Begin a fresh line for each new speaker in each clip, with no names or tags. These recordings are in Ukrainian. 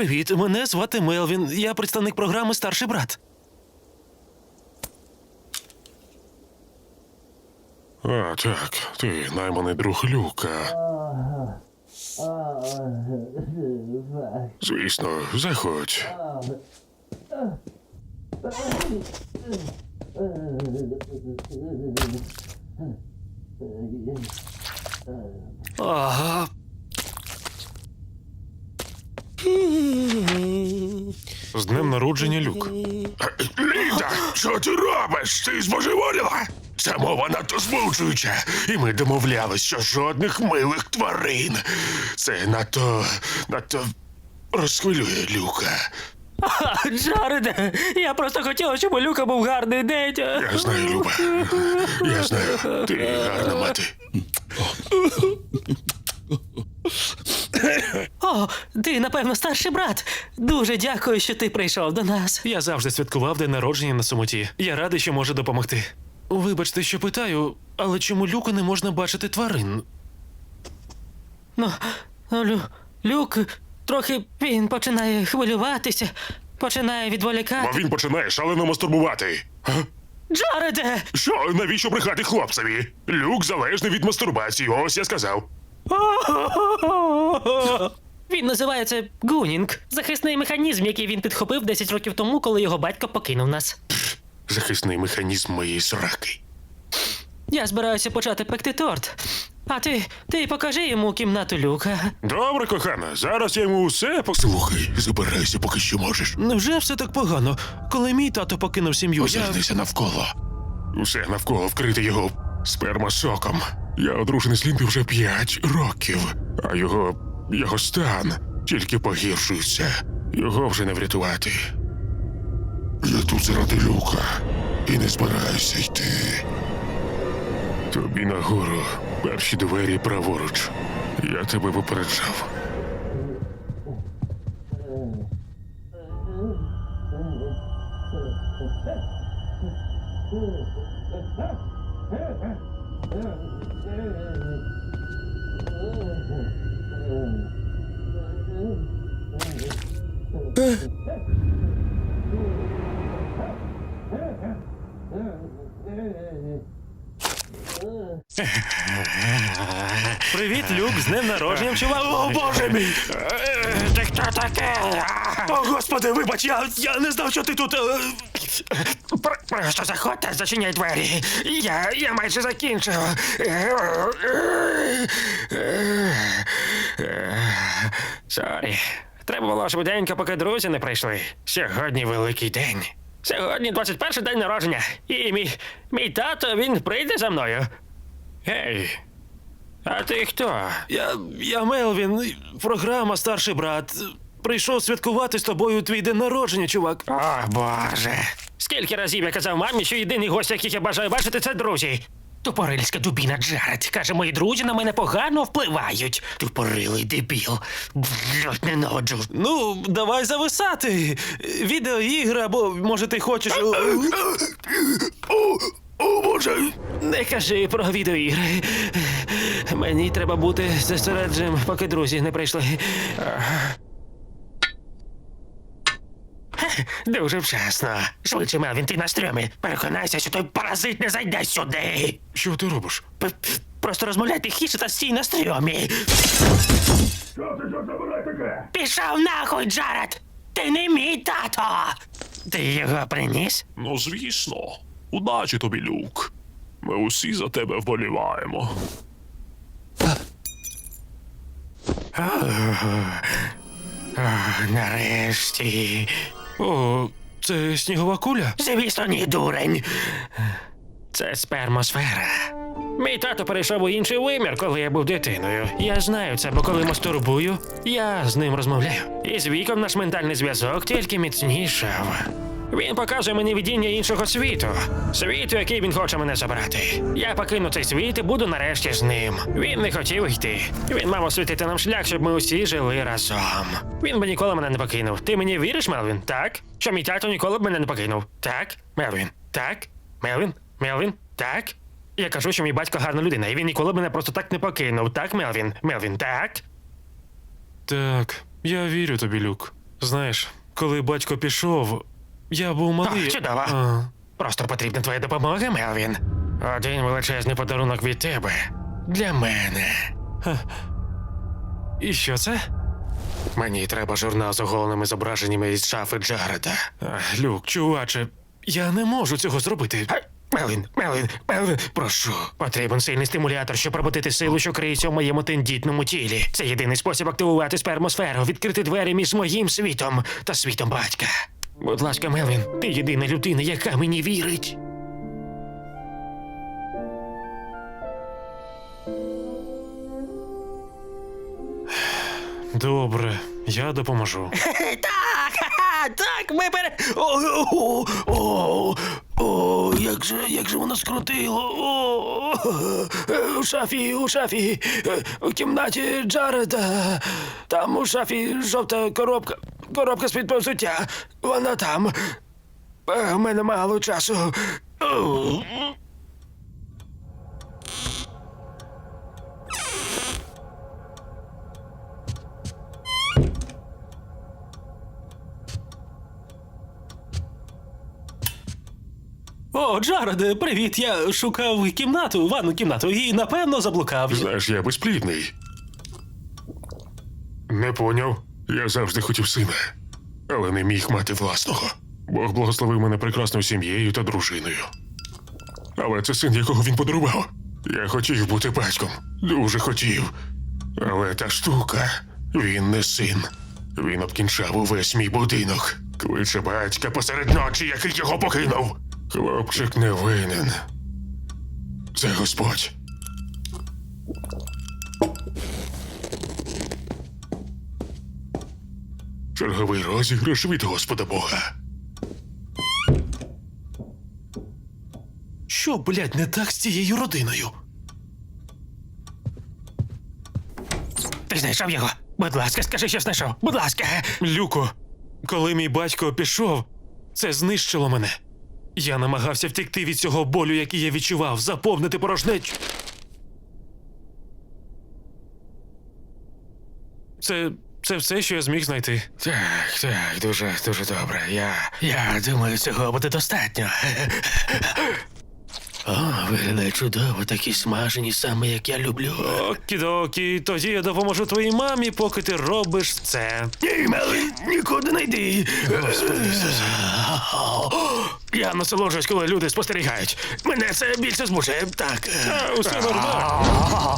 Привіт, мене звати Мелвін. Я представник програми «Старший брат».
А, так, ти найманий друг Люка. Звісно, заходь.
Ага.
З днем народження, Люк. Ліда, що ти робиш? Ти збожеволіла? Ця мова надто збуджуюча. І ми домовлялись, що жодних милих тварин. Це надто розхвилює Люка.
Джареде, я просто хотіла, щоб у Люка був гарний день.
Я знаю, Люба. Я знаю, ти гарна мати.
О, ти, напевно, старший брат. Дуже дякую, що ти прийшов до нас. Я завжди святкував день народження на самоті. Я радий, що можу допомогти. Вибачте, що питаю, але чому Люку не можна бачити тварин? Ну, Люк, трохи він починає хвилюватися, починає
Бо
відволікати.
він починає шалено мастурбувати.
Джареде!
Що, навіщо брехати хлопцеві? Люк залежний від мастурбації, ось я сказав.
Він називається гунінг. Захисний механізм, який він підхопив 10 років тому, коли його батько покинув нас.
Захисний механізм моєї сраки.
Я збираюся почати пекти торт. А ти покажи йому кімнату Люка.
Добре, кохана, зараз я йому усе Слухай, забирайся, поки що можеш.
Невже все так погано? Коли мій тато покинув сім'ю,
Озирнися навколо. Усе навколо вкрите його спермасоком. Я одружений з Лінди вже 5 років, а його стан тільки погіршується. Його вже не врятувати. Я тут заради Люка і не збираюся йти. Тобі нагору, перші двері праворуч. Я тебе попереджав.
Привіт, Люк, з днем народження, чувак. О, боже мій!
Ти хто таке?
О, господи, вибач, я не знав, що ти тут.
Просто заходьте, зачиняй двері. Я майже закінчив.
Сорі. Треба було швиденько, поки друзі не прийшли. Сьогодні великий день. Сьогодні 21-й день народження. І мій тато, він прийде за мною. Гей, а ти хто?
Я Мелвін, програма «Старший брат». Прийшов святкувати з тобою твій день народження, чувак.
О, Боже. Скільки разів я казав мамі, що єдиний гость, яких я бажаю бачити, це друзі. Тупорильська дубіна Джаред. Каже, мої друзі на мене погано впливають. Тупорилий дебіл. Блять, ненавиджу.
Ну, давай зависати. Відеоігри, або, може, ти хочеш...
О, Боже!
Не кажи про відеоігри. Мені треба бути зосередженим, поки друзі не прийшли.
Дуже вчасно. Швидше, Мелвін, ти на стрьомі. Переконайся, що той паразит не зайде сюди.
Що ти робиш?
Просто розмовляй тихіше та стій на стрьомі.
Що ти забирай таке?
Пішов нахуй, Джаред! Ти не мій тато! Ти його приніс?
Ну, звісно. Удачі тобі, Люк. Ми усі за тебе вболіваємо.
Нарешті.
О, це снігова куля?
Звісно, ні, дурень. Це спермосфера. Мій тато перейшов у інший вимір, коли я був дитиною. Я знаю це, бо коли мастурбую, я з ним розмовляю. І з віком наш ментальний зв'язок тільки міцнішав. Він показує мені видіння іншого світу. Світу, який він хоче мене забрати. Я покину цей світ і буду нарешті з ним. Він не хотів йти. Він мав освітити нам шлях, щоб ми усі жили разом. Він би ніколи мене не покинув. Ти мені віриш, Мелвін? Так? Що мій тато ніколи б мене не покинув? Так? Мелвін? Так? Мелвін? Мелвін? Так? Я кажу, що мій батько гарна людина, і він ніколи б мене просто так не покинув. Так, Мелвін? Мелвін, так?
Так, я вірю тобі, Люк. Знаєш, коли батько пішов, я був малий.
О, чудово.
А,
Просто потрібна твоя допомога, Мелвін. Один величезний подарунок від тебе. Для мене.
і що це?
Мені треба журнал з оголеними зображеннями із шафи Джареда.
Люк, чуваче, я не можу цього зробити.
Мелвін, прошу. Потрібен сильний стимулятор, щоб пробудити силу, що криється в моєму тендітному тілі. Це єдиний спосіб активувати спермосферу, відкрити двері між моїм світом та світом батька. Будь ласка, Мелвін, ти єдина людина, яка мені вірить.
Добре, я допоможу.
Так, ми бере. Як же воно скрутило. У шафі, у кімнаті Джареда. Там у шафі жовта коробка з-під взуття. Вона там. У мене мало часу.
О, Джареде, привіт! Я шукав кімнату, ванну кімнату, і напевно заблукав.
Знаєш, я безплідний. Не поняв. Я завжди хотів сина, але не міг мати власного. Бог благословив мене прекрасною сім'єю та дружиною. Але це син, якого він подарував. Я хотів бути батьком. Дуже хотів. Але та штука, він не син. Він обкінчав увесь мій будинок. Кличе батька посеред ночі, який його покинув. Хлопчик не винен. Це Господь. Черговий розіграш від Господа Бога.
Що, блядь, не так з цією родиною?
Ти знайшов його? Будь ласка, скажи, що знайшов. Будь ласка.
Люко, коли мій батько пішов, це знищило мене. Я намагався втекти від цього болю, який я відчував, заповнити порожнечу. Це все, що я зміг знайти.
Так, дуже добре. Я думаю, цього буде достатньо. О, виглядає чудово, такі смажені, саме як я люблю.
Окідокі, тоді я допоможу твоїй мамі, поки ти робиш це.
Ні, Мелвін, нікуди не йди. Господи Ісусе. Я насолоджуюсь, коли люди спостерігають. Мене це більше збуджує. Так.
Усе нормально.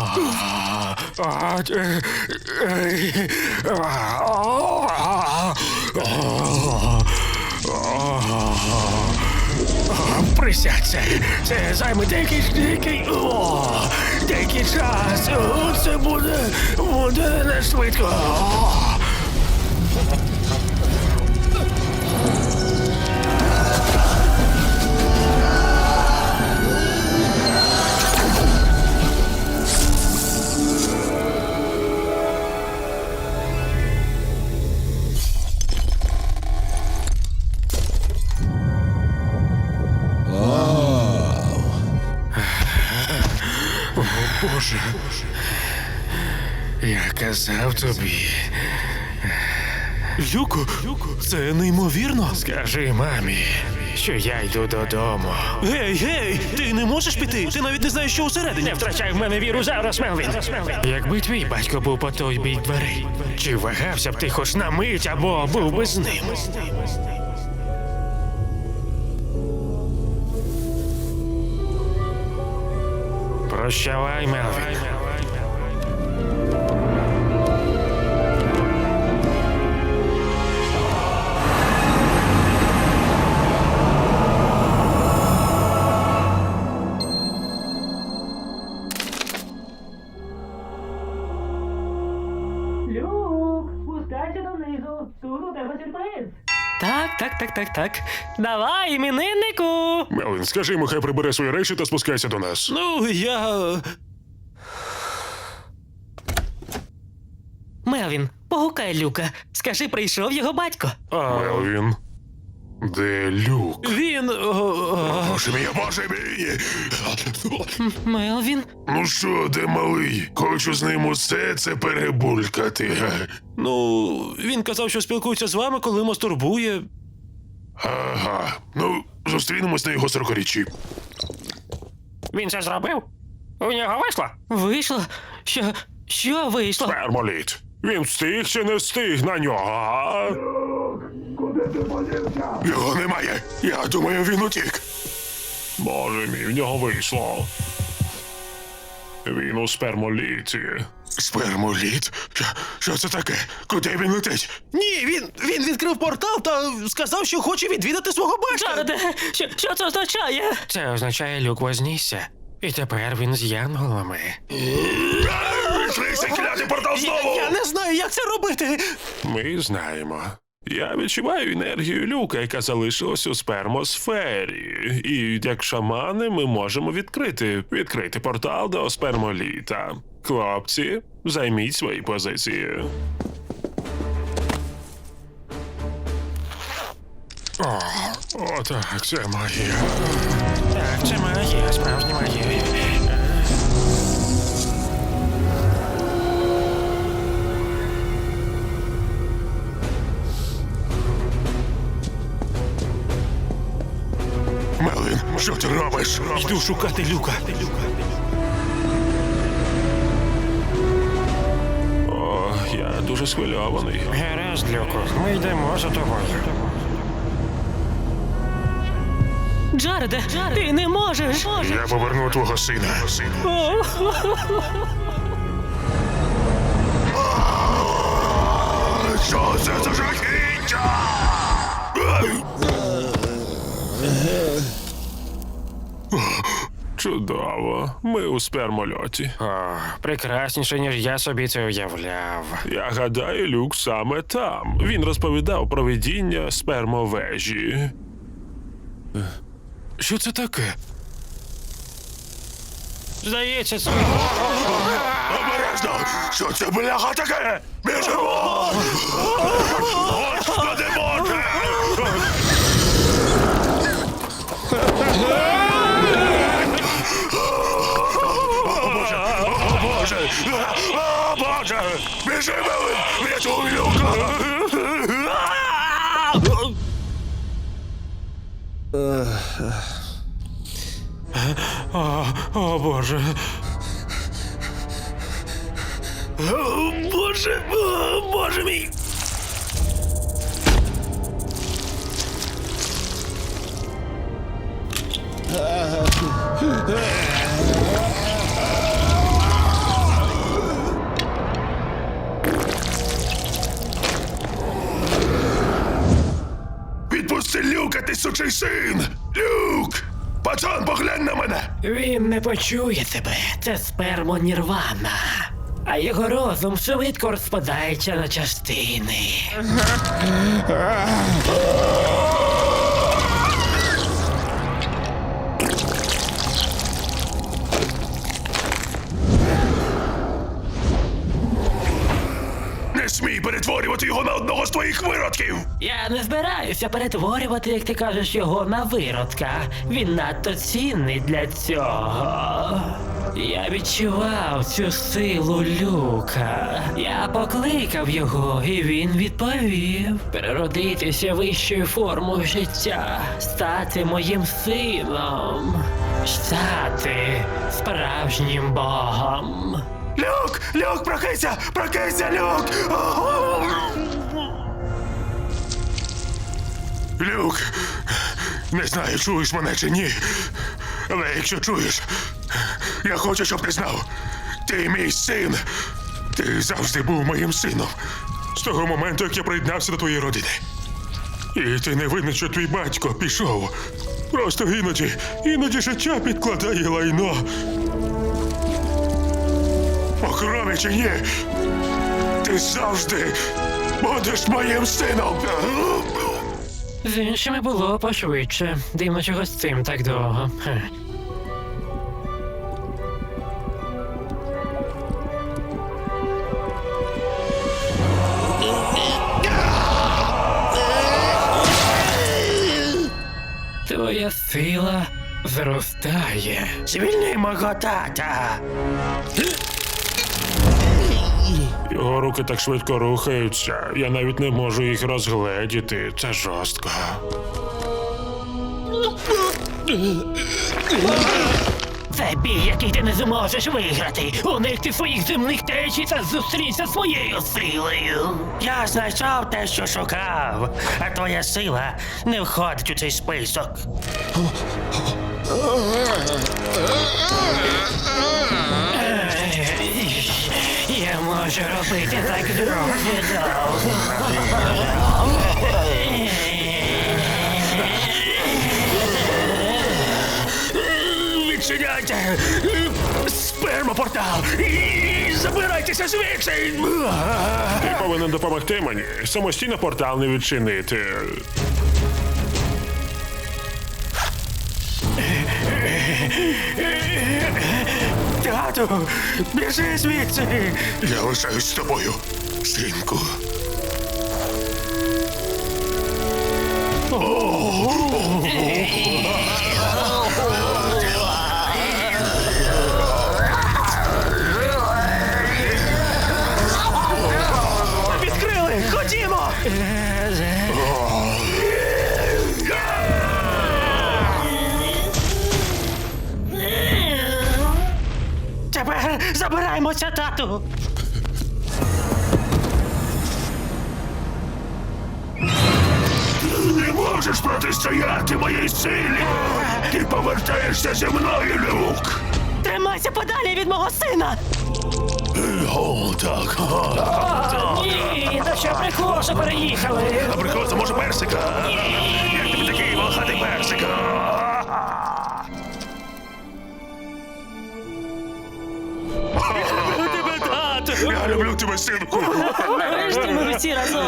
Присядься. Це займе деякий час. Це буде не швидко.
Боже.
Я казав тобі.
Люко, це неймовірно.
Скажи мамі, що я йду додому.
Гей, ти не можеш піти? Ти навіть не знаєш, що усередині.
Не втрачай в мене віру зараз, Мелвін. Якби твій батько був по той бік дверей, чи вагався б ти хоч на мить або був би з ним? Прощавай, Мелвін.
Люк, спускайся донизу. Тут у тебе сюрприз.
Так.
Давай, імениннику.
Мелвін, скажи йому, хай прибере свої речі та спускайся до нас.
Ну, я.
Мелвін, погукай Люка. Скажи, прийшов його батько.
Мелвін. Де Люк?
Він.
Боже мій, боже мій!
Мелвін?
Ну що, де малий? Хочу з ним усе це перебулькати.
Ну, він казав, що спілкується з вами, коли мастурбує.
Ага. Ну, зустрінемось на його 40-річчі.
Він це зробив? У нього вийшло?
Вийшло? Що вийшло?
Спермоліт. Він встиг чи не встиг на нього? Його немає. Я думаю, він утік. Боже мій, в нього вийшло. Він у спермоліті. Спермоліт? Що це таке? Куди він летить?
Ні, він відкрив портал та сказав, що хоче відвідати свого батька. Джареде, що це означає?
Це означає, Люк вознісся. І тепер він з янголами.
Відкрийся, клятий портал знову!
Я не знаю, як це робити.
Ми знаємо. Я відчуваю енергію Люка, яка залишилась у спермосфері. І як шамани ми можемо відкрити портал до спермоліта. Хлопці, займіть свої позиції. О, так, це магія.
Так, це магія, справжня магія.
Мелвін, що ти робиш?
Йду шукати Люка.
О, я дуже схвильований.
Гаразд, Люку, ми йдемо за тобою.
Джареде, ти не можеш.
Я поверну твого сина. Що це за жахіття? Чудово. Ми у спермольоті.
О, прекрасніше, ніж я собі це уявляв.
Я гадаю, Люк саме там. Він розповідав про видіння спермовежі.
Що це таке?
Здається, це...
Обережно! Що це, бляха, таке? Біжимо! Господи Боже! О, Боже! О, Боже! Біжи, Мелвін! Врятуй Люка!
О, Боже. Боже мій.
Відпусти Люка, ти сучий син! Люк! Пацан, поглянь на мене!
Він не почує тебе. Це спермо-нірвана. А його розум швидко розпадається на частини.
Не смій перетворювати його на одного з твоїх виродків!
Я не збираюся перетворювати, як ти кажеш, його на виродка. Він надто цінний для цього. Я відчував цю силу Люка. Я покликав його, і він відповів. Переродитися вищою формою життя, стати моїм сином, стати справжнім богом.
Люк! Люк, прокинься! Прокинься, Люк! Люк! Не знаю, чуєш мене чи ні. Але якщо чуєш, я хочу, щоб ти знав. Ти мій син. Ти завжди був моїм сином. З того моменту, як я приєднався до твоєї родини. І ти не винен, що твій батько пішов. Просто іноді життя підкладає лайно. По крові чи ні? Ти завжди будеш моїм сином.
З іншими було пошвидше. Дивно, чого з цим так довго. Хе. Твоя сила зростає.
Звільни мого тата.
Його руки так швидко рухаються, я навіть не можу їх розгледіти. Це жорстко.
Це бій, який ти не зможеш виграти. Уникни своїх земних течій та зустрінься зі своєю силою.
Я знайшов те, що шукав, а твоя сила не входить у цей список.
Я можу робити так дуже довго.
Відчиняйте спермопортал і забирайтеся звідси.
Ти повинен допомогти мені. Самостійно портал не відчинити.
Тату, біжи звідси.
Я лишаюсь з тобою, синку.
Відкрили, ходімо. Тепер забираємося, тату.
Не можеш протистояти моїй силі. Ти повертаєшся зі мною, Люк.
Тримайся подалі від мого сина.
О, так.
Ні, та що прикол, що переїхали.
Наприклад, може персика. Як тобі такий волохатий персика?
Тебе, тату.
Я люблю тебе, синку.
Нарешті ми всі разом.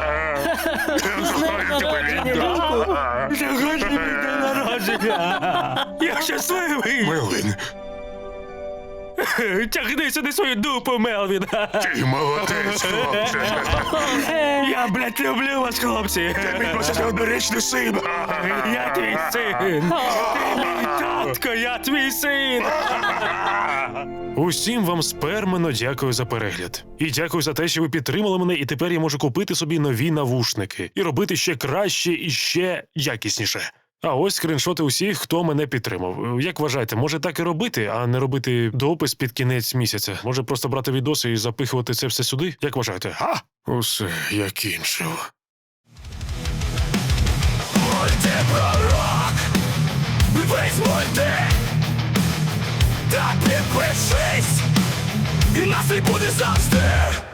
Сьогодні мій день народження. Я щасливий.
Мелвін,
Тягни сюди свою дупу, Мелвін.
ти молодець, хлопче.
Я, блядь, люблю вас, хлопці.
Мій просто однорічний син.
Я твій син. Ти мій татко, я твій син. Усім вам спермено дякую за перегляд. І дякую за те, що ви підтримали мене, і тепер я можу купити собі нові навушники. І робити ще краще і ще якісніше. А ось скріншоти усіх, хто мене підтримав. Як вважаєте, може так і робити, а не робити допис під кінець місяця? Може просто брати відоси і запихувати це все сюди? Як вважаєте? А?
Усе, я кінчив.
Та підпишись, і нас не буде завжди.